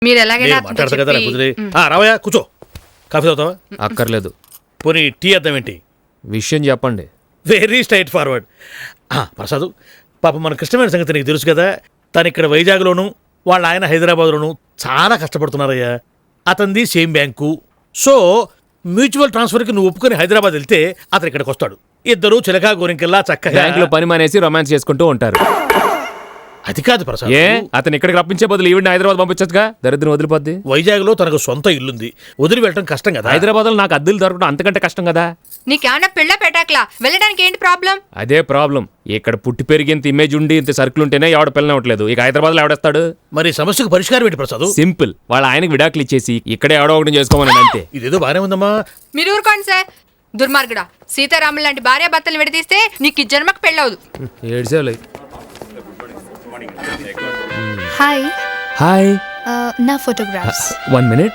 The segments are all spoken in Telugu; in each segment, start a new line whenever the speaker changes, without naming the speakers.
మీరు ఎలాగైనా
మాట్లాడతా కదా కుదిరే. రావయ్యా కూర్చో. కాఫీ తాగుతావా?
అక్కర్లేదు.
పోనీ టీ అర్థం ఏంటి?
విషయం చెప్పండి.
Very straight forward. ప్రసాద్, పాప మన కృష్ణమైన సంగతి నీకు తెలుసు కదా. తను ఇక్కడ వైజాగ్లోను, వాళ్ళ ఆయన హైదరాబాద్లోను చాలా కష్టపడుతున్నారయ్యా. అతనిది సేమ్ బ్యాంకు. సో మ్యూచువల్ ట్రాన్స్ఫర్కి నువ్వు ఒప్పుకొని హైదరాబాద్ వెళ్తే అతను ఇక్కడికి వస్తాడు. ఇద్దరు చిలకా గోరింకెల్లా చక్కగా
బ్యాంకులో పని మానేసి రొమాన్స్ చేసుకుంటూ ఉంటారు.
అది కాదు ప్రసాద్.
ఏ అతను ఇక్కడికి రప్పించే బదులు ఈవిడ హైదరాబాద్ పంపించచ్చుగా, దరిద్రం వదిలిపోద్ది.
వైజాగ్లో తనకు సొంత ఇల్లుంది, వదిలి వెళ్ళడం కష్టం కదా.
హైదరాబాద్లో నాకు అద్దెలు దొరకడం అంతకంటే కష్టం కదా.
నీకేమన్నా పిల్ల పెట్టాకలా వెళ్ళడానికి ఏంటి ప్రాబ్లం?
అదే ప్రాబ్లం. ఇక్కడ పుట్టి పెరిగి ఇంత ఇమేజ్ ఉండి ఇంత సర్కిల్ ఉంటేనే ఎవడ పిల్లనవట్లేదు. ఇక హైదరాబాద్ లో ఎవడేస్తాడు?
మరి సమస్యకు పరిష్కారం ఏంటి ప్రసాద్?
సింపుల్, వాళ్ళ ఆయనకి విడాకులు ఇచ్చేసి ఇక్కడే ఎవడో ఒకటి చేసుకోమని అంతే.
ఇదేదో బానే ఉందమ్మా.
మీరు ఊరుకోండి సార్. దుర్మార్గుడా, సీతారాములు లాంటి భార్యాభర్తలు విడదీస్తే నీకు జన్మకు పెళ్ళవదు.
ఏడ్సేలే.
హాయ్.
హాయ్.
నా ఫోటోగ్రాఫ్స్.
1 minute.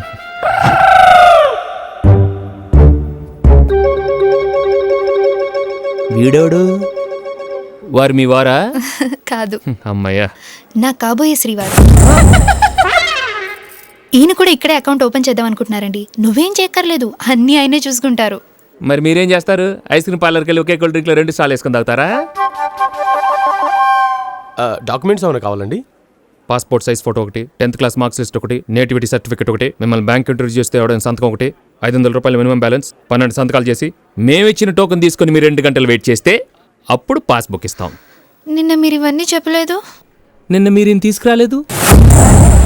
వీడోడు వారు మీ వారా?
కాదు.
అమ్మయ్యా.
నా కాబోయే శ్రీవారు. ఈయన కూడా ఇక్కడే అకౌంట్ ఓపెన్ చేద్దాం అనుకుంటున్నారండి. నువ్వేం చేయక్కర్లేదు, అన్నీ ఆయనే చూసుకుంటారు.
మరి మీరేం చేస్తారు? ఐస్ క్రీమ్ పార్లర్కి వెళ్ళి ఒకే కూల్ డ్రింక్లో 2 స్టాల్ వేసుకుని తాగుతారా?
డాక్యుమెంట్స్ ఏమైనా కావాలండి?
పాస్పోర్ట్ సైజ్ ఫోటో ఒకటి, 10th క్లాస్ మార్క్స్ లిస్ట్ ఒకటి, నేటివిటీ సర్టిఫికేట్ ఒకటి, మిమ్మల్ని బ్యాంక్ ఇంటర్వ్యూ చేస్తే ఎవడైనా సంతకం ఒకటి, 500 రూపాయలు మినిమం బ్యాలెన్స్, 12 సంతకాలు చేసి మేమిచ్చిన టోకెన్ తీసుకుని మీరు 2 గంటలు వెయిట్ చేస్తే అప్పుడు పాస్బుక్ ఇస్తాం.
నిన్న మీరు ఇవన్నీ చెప్పలేదు.
నిన్న మీరేం తీసుకురాలేదు.